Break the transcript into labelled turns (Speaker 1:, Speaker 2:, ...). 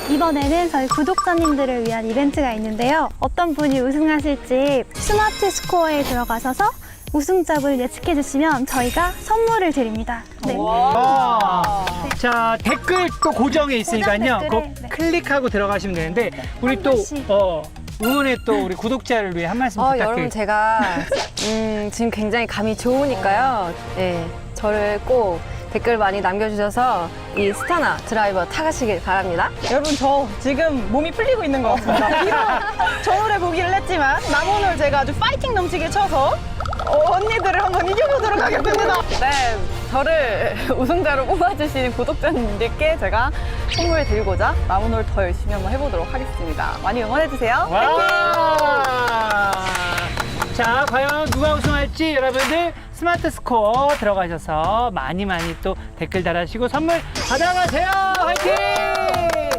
Speaker 1: 이번에는 저희 구독자님들을 위한 이벤트가 있는데요. 어떤 분이 우승하실지 스마트 스코어에 들어가셔서 우승작을 예측해 주시면 저희가 선물을 드립니다. 네.
Speaker 2: 자, 댓글 또 고정에 있으니까요.
Speaker 1: 댓글에,
Speaker 2: 꼭
Speaker 1: 네.
Speaker 2: 클릭하고 들어가시면 되는데 우리
Speaker 1: 한
Speaker 2: 또
Speaker 1: 번씩.
Speaker 2: 응원에 또 우리 구독자를 위해 한 말씀
Speaker 3: 여러분
Speaker 2: 부탁드립니다.
Speaker 3: 제가 지금 굉장히 감이 좋으니까요. 네, 저를 꼭 댓글 많이 남겨주셔서 이 스타나 드라이버 타가시길 바랍니다.
Speaker 4: 여러분 저 지금 몸이 풀리고 있는 것 같습니다. 비록 저 노래 보기를 했지만 남오늘 제가 아주 파이팅 넘치게 쳐서 언니들을 한번 이겨보도록 하겠습니다.
Speaker 3: 네, 저를 우승자로 뽑아주신 구독자님들께 제가 선물 드리고자 남오늘 더 열심히 한번 해보도록 하겠습니다. 많이 응원해주세요.
Speaker 2: 와! 자, 과연 누가 우승할지 여러분들 스마트 스코어 들어가셔서 많이 또 댓글 달아주시고 선물 받아가세요. 화이팅!